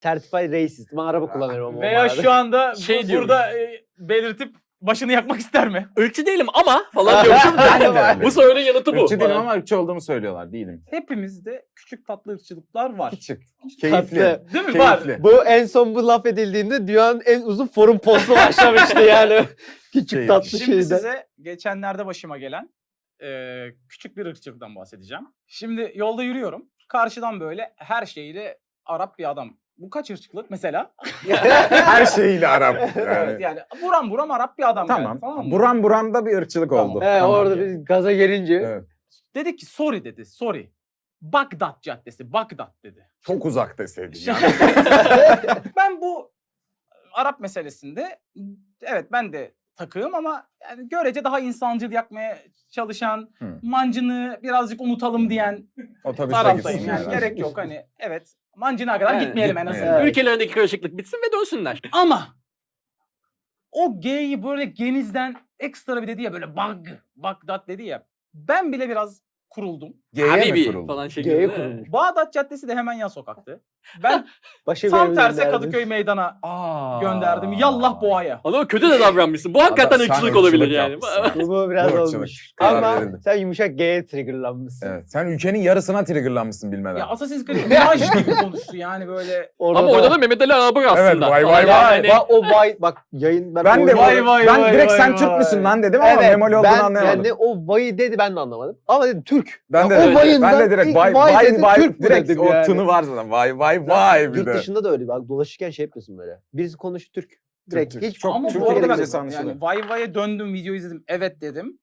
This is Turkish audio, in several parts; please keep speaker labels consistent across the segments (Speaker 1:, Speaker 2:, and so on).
Speaker 1: Certified racist. Ben araba kullanıyorum ama.
Speaker 2: Veya şu anda
Speaker 3: Şey
Speaker 2: burada belirtip başını yakmak ister mi?
Speaker 3: Irkçı değilim ama falan diyormuşum. Bu sorunun yanıtı bu.
Speaker 4: Irkçı değilim
Speaker 3: falan.
Speaker 4: ama ırkçı olduğumu söylüyorlar. Değilim.
Speaker 2: Hepimizde küçük tatlı ırkçılıklar var.
Speaker 4: Küçük.
Speaker 1: Tatlı.
Speaker 4: Keyifli.
Speaker 2: Değil mi? Var.
Speaker 4: Keyifli.
Speaker 1: Bu en son bu laf edildiğinde dünyanın en uzun forum postu başlamıştı yani. Küçük
Speaker 4: Şey,
Speaker 1: tatlı
Speaker 2: Şimdi
Speaker 1: şeyden.
Speaker 2: size geçenlerde başıma gelen küçük bir ırkçılıktan bahsedeceğim. Şimdi yolda yürüyorum. Karşıdan böyle her şeyiyle Arap bir adam. Bu kaç ırkçılık mesela?
Speaker 4: Her şeyiyle Arap. Yani.
Speaker 2: Evet yani buram buram Arap bir adam
Speaker 4: Tamam.
Speaker 2: yani, tamam mı?
Speaker 4: Buram buramda bir ırkçılık
Speaker 2: Tamam.
Speaker 4: oldu.
Speaker 1: He, orada
Speaker 2: yani.
Speaker 1: bir gaza gelince.
Speaker 4: Evet.
Speaker 2: Dedi ki sorry dedi sorry. Bagdat Caddesi Bagdat dedi.
Speaker 4: Çok uzak deseydin.
Speaker 2: Şimdi- Ben bu Arap meselesinde evet ben de takığım ama yani görece daha insancıl yakmaya çalışan, mancını birazcık unutalım diyen
Speaker 4: Otobüste
Speaker 2: taraftayım.
Speaker 4: gitsinler.
Speaker 2: Yani gerek yok hani evet mancına kadar
Speaker 3: Evet,
Speaker 2: gitmeyelim en
Speaker 4: gitmeyelim.
Speaker 2: azından.
Speaker 3: Ülkelerindeki karışıklık bitsin ve dönsünler.
Speaker 2: Ama o G'yi böyle genizden ekstra bir dedi ya böyle Bagdat dedi ya. Ben bile biraz kuruldum.
Speaker 4: G'ye mi
Speaker 3: Habibi
Speaker 4: kuruldu?
Speaker 3: falan
Speaker 1: G'ye
Speaker 3: şeklinde.
Speaker 1: kurulmuş.
Speaker 2: Bağdat Caddesi de hemen yan sokaktı. Ben
Speaker 1: Başka bir
Speaker 2: tam
Speaker 1: yere
Speaker 2: tersi
Speaker 1: gönderdim.
Speaker 2: Kadıköy meydana
Speaker 4: Aa.
Speaker 2: gönderdim. Yallah boğaya.
Speaker 3: Ama kötü de davranmışsın. Bu hakikaten
Speaker 4: Adam, sen
Speaker 3: ırkçılık olabilir
Speaker 4: ırkçılık
Speaker 3: yani.
Speaker 4: yapmışsın.
Speaker 1: Bu biraz
Speaker 4: Irkçılık.
Speaker 1: olmuş.
Speaker 4: Karar
Speaker 1: Ama
Speaker 4: verildi.
Speaker 1: sen yumuşak G'ye triggerlanmışsın.
Speaker 4: Evet. Sen ülkenin yarısına triggerlanmışsın bilmeden.
Speaker 2: Ya Assassin's Creed Mirage gibi konuştu yani böyle.
Speaker 3: Ama orada da Mehmet Ali Ağabey aslında.
Speaker 4: Evet, vay vay
Speaker 3: Yani
Speaker 4: vay.
Speaker 3: hani-
Speaker 1: O vay bak yayın
Speaker 4: Ben de
Speaker 2: Vay vay
Speaker 4: ben
Speaker 2: vay
Speaker 4: direkt
Speaker 2: vay
Speaker 4: sen
Speaker 2: vay.
Speaker 4: Türk müsün lan dedim ama memoli olduğunu anlayamadım.
Speaker 1: Yani o vayı dedi ben de anlamadım. Ama dedim Türk.
Speaker 4: Ben de
Speaker 1: Ya o
Speaker 4: direkt,
Speaker 1: vayından
Speaker 4: ben de direkt
Speaker 1: ilk
Speaker 4: vay
Speaker 1: vay
Speaker 4: vay
Speaker 1: dedi,
Speaker 4: vay
Speaker 1: Türk mü
Speaker 4: direkt
Speaker 1: dedim
Speaker 4: o
Speaker 1: yani.
Speaker 4: tını var zaten. Vay vay vay bir
Speaker 1: Yurt
Speaker 4: de.
Speaker 1: dışında da öyle. Bak dolaşırken şey yapıyorsun böyle. Birisi konuşuyor Türk. Direkt
Speaker 4: Türk.
Speaker 1: hiç
Speaker 4: Çok
Speaker 2: Ama
Speaker 4: Türk
Speaker 2: bu arada ben
Speaker 4: İngilizcesi anlaşılır.
Speaker 2: yani vay vay'a döndüm video izledim. Evet dedim.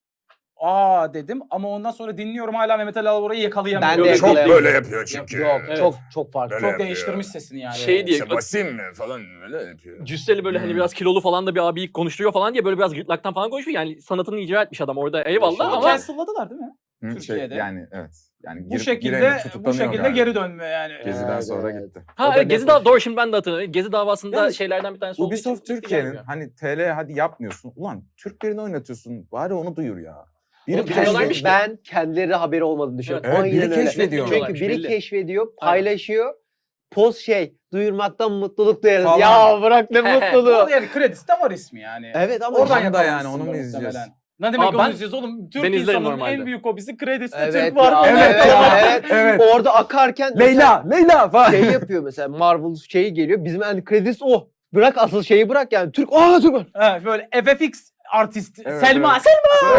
Speaker 2: Aa dedim ama ondan sonra dinliyorum hala Mehmet Ali Albora'yı yakalayamıyorum.
Speaker 1: Ben de
Speaker 4: Çok
Speaker 1: yakalayamadım.
Speaker 4: böyle yapıyor çünkü.
Speaker 1: Yok
Speaker 3: Evet.
Speaker 1: çok farklı.
Speaker 4: Böyle
Speaker 2: Çok
Speaker 4: yapıyor.
Speaker 2: değiştirmiş sesini yani.
Speaker 3: Şey diye-
Speaker 4: İşte Basim mi falan böyle yapıyor.
Speaker 3: Cüsseli böyle hani biraz kilolu falan da bir abiyi konuşturuyor falan diye böyle biraz gırtlaktan falan konuşuyor. Yani sanatını icra etmiş adam orada eyvallah
Speaker 2: Ama
Speaker 3: ama
Speaker 2: cancel'ladılar değil mi?
Speaker 4: Hı,
Speaker 2: Türkiye'de.
Speaker 4: yani evet. Yani
Speaker 2: Bu
Speaker 4: gireni
Speaker 2: şekilde
Speaker 4: tutuklanıyor galiba.
Speaker 2: geri dönme yani.
Speaker 4: Geziden
Speaker 1: Evet,
Speaker 4: sonra
Speaker 1: evet.
Speaker 4: gitti.
Speaker 3: ha
Speaker 1: O da
Speaker 3: evet, Gezi
Speaker 1: net
Speaker 3: davası doğru şimdi ben de hatırlıyorum. Gezi davasında
Speaker 4: Yalnız
Speaker 3: şeylerden bir tanesi olduğu için
Speaker 4: Ubisoft Türkiye'nin hani TL hadi yapmıyorsun. Ulan Türklerini oynatıyorsun. Bari onu duyur ya. Biri
Speaker 3: Oğlum,
Speaker 4: keşfediyor.
Speaker 3: biliyorlarmış ki.
Speaker 1: Ben kendileri haberi olmadığını düşünüyorum.
Speaker 4: Evet, biri
Speaker 1: Aynen öyle.
Speaker 4: keşfediyor.
Speaker 1: Çünkü biri
Speaker 3: Belli.
Speaker 1: keşfediyor, paylaşıyor. Post duyurmaktan mutluluk duyarız.
Speaker 4: Falan.
Speaker 1: Ya bırak ne
Speaker 2: Bu
Speaker 1: mutluluğu.
Speaker 2: arada yani kredisi de var ismi yani.
Speaker 1: Evet ama
Speaker 4: Oradan
Speaker 2: Oradan
Speaker 4: da yani
Speaker 2: yakalamışsın
Speaker 4: onu mu
Speaker 2: bunu
Speaker 4: izleyeceğiz?
Speaker 2: muhtemelen. Ne demek
Speaker 3: Aa,
Speaker 2: onu
Speaker 3: ben-
Speaker 2: izleyeceğiz oğlum? Türk
Speaker 3: ben izlerim
Speaker 2: insanının
Speaker 3: normalde.
Speaker 2: en büyük hobisi kredisi de
Speaker 1: Evet
Speaker 2: Türk var.
Speaker 1: ya,
Speaker 2: mı?
Speaker 4: Evet ya.
Speaker 1: evet.
Speaker 4: Evet.
Speaker 1: Orada akarken
Speaker 4: Leyla falan.
Speaker 1: şey yapıyor mesela Marvel şeyi geliyor. Bizim en kredisi o. Bırak asıl şeyi bırak yani. Türk Türk var.
Speaker 2: Ha, böyle FFX artist
Speaker 4: Evet,
Speaker 2: Selma.
Speaker 4: evet.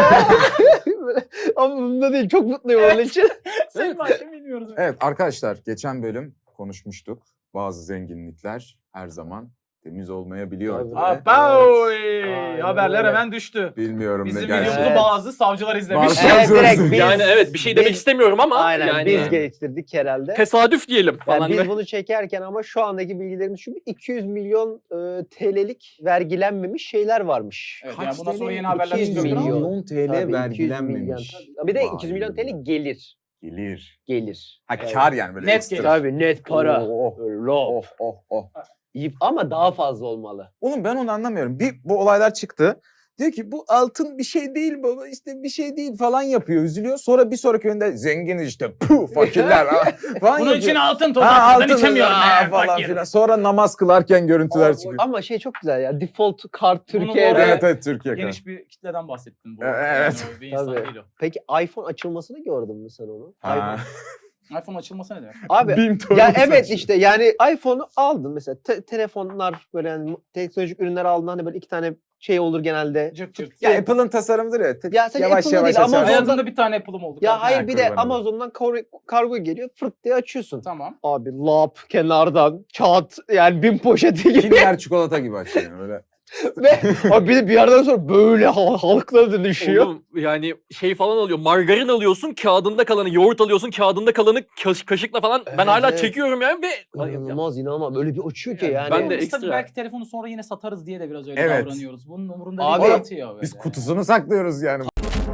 Speaker 1: Böyle. Ama bunda değil. Çok mutluyum onun için.
Speaker 2: Selma kim bilmiyoruz.
Speaker 4: Evet arkadaşlar geçen bölüm konuşmuştuk. Bazı zenginlikler her zaman temiz olmayabiliyor.
Speaker 1: Tabii.
Speaker 4: diye.
Speaker 2: Abaoy!
Speaker 1: Aynen
Speaker 2: Haberler
Speaker 1: öyle.
Speaker 2: hemen düştü.
Speaker 4: Bilmiyorum
Speaker 2: Bizim
Speaker 4: ne gerçek.
Speaker 2: videomuzu bazı savcılar izlemiş.
Speaker 4: Bazı-
Speaker 1: Evet direkt biz,
Speaker 3: yani evet bir şey demek
Speaker 1: biz-
Speaker 3: istemiyorum ama
Speaker 1: Aynen
Speaker 3: yani
Speaker 1: biz
Speaker 4: Yani.
Speaker 1: geliştirdik herhalde.
Speaker 3: tesadüf diyelim
Speaker 1: Yani
Speaker 3: falan.
Speaker 1: biz bunu çekerken ama şu andaki bilgilerimiz şu 200 milyon TL'lik vergilenmemiş şeyler varmış.
Speaker 2: Evet,
Speaker 4: Kaç
Speaker 2: yani bundan sonra
Speaker 4: TL?
Speaker 2: yeni haberler
Speaker 1: 200
Speaker 2: çıkıyor.
Speaker 1: milyon.
Speaker 4: TL
Speaker 1: Tabii, 200
Speaker 4: vergilenmemiş.
Speaker 1: milyon. Bir de
Speaker 4: Vay
Speaker 1: 200 milyon
Speaker 4: be.
Speaker 1: TL gelir.
Speaker 4: Gelir.
Speaker 1: Gelir.
Speaker 4: Ha
Speaker 1: Evet.
Speaker 4: kar yani böyle
Speaker 2: Net
Speaker 4: ekstra.
Speaker 2: gelir.
Speaker 1: Tabii net para.
Speaker 4: Oh,
Speaker 1: Lop.
Speaker 4: oh.
Speaker 1: Ama daha fazla olmalı.
Speaker 4: Oğlum ben onu anlamıyorum. Bu olaylar çıktı. Diyor ki bu altın bir şey değil baba işte bir şey değil falan yapıyor üzülüyor. Sonra bir sonraki önde zengin işte puh fakirler falan
Speaker 2: Bunun
Speaker 4: yapıyor.
Speaker 2: için altın toz
Speaker 4: Ha,
Speaker 2: atmadan
Speaker 4: altın
Speaker 2: içemiyorum.
Speaker 4: falan
Speaker 2: Fakir.
Speaker 4: filan. Sonra namaz kılarken görüntüler çıkıyor.
Speaker 1: Ama şey çok güzel ya. Default kart
Speaker 2: Bunu bu
Speaker 1: Türkiye'de.
Speaker 2: arada-
Speaker 4: Evet Türkiye kadar.
Speaker 2: Geniş bir kitleden bahsettin bu.
Speaker 4: Evet.
Speaker 2: Yani o bir insan
Speaker 1: Tabii.
Speaker 2: değil o.
Speaker 1: Peki iPhone açılmasını gördün mü sen onu?
Speaker 4: Ha.
Speaker 1: iPhone.
Speaker 2: iPhone açılması ne demek?
Speaker 1: Abi
Speaker 4: BİM
Speaker 1: ya
Speaker 4: torunu
Speaker 1: evet
Speaker 4: saçma.
Speaker 1: işte yani iPhone'u aldın mesela telefonlar böyle yani teknolojik ürünler aldın hani böyle iki tane şey olur genelde.
Speaker 2: Cırt cırt.
Speaker 4: Ya Apple'ın tasarımıdır ya.
Speaker 1: Ya sen
Speaker 4: yavaş
Speaker 1: Apple'ın
Speaker 4: yavaş
Speaker 1: değil,
Speaker 4: açarsın.
Speaker 2: Hayatında bir tane Apple'ım oldu.
Speaker 1: Ya
Speaker 2: kardeşim.
Speaker 1: hayır bir de
Speaker 4: kurban olayım.
Speaker 1: Amazon'dan kargo geliyor fırt diye açıyorsun.
Speaker 2: Tamam.
Speaker 1: Abi lap kenardan kağıt yani bin poşeti gibi
Speaker 4: Kinder çikolata gibi açıyor öyle.
Speaker 1: ve abi bir de bir yerden sonra böyle halklara dönüşüyor.
Speaker 3: Oğlum yani şey falan alıyor. Margarin alıyorsun, kağıdında kalanı, yoğurt alıyorsun, kağıdında kalanı kaşıkla falan. Ben
Speaker 1: Evet,
Speaker 3: hala
Speaker 1: evet.
Speaker 3: çekiyorum yani ve
Speaker 1: İnanılmaz öyle bir açıyor ki yani.
Speaker 3: Ben de
Speaker 2: Biz tabii
Speaker 3: ekstra.
Speaker 2: belki telefonu sonra yine satarız diye de biraz öyle
Speaker 4: Evet.
Speaker 2: davranıyoruz. Bunun umurunda
Speaker 1: Abi,
Speaker 2: değil. Atıyor böyle.
Speaker 4: Biz kutusunu saklıyoruz yani.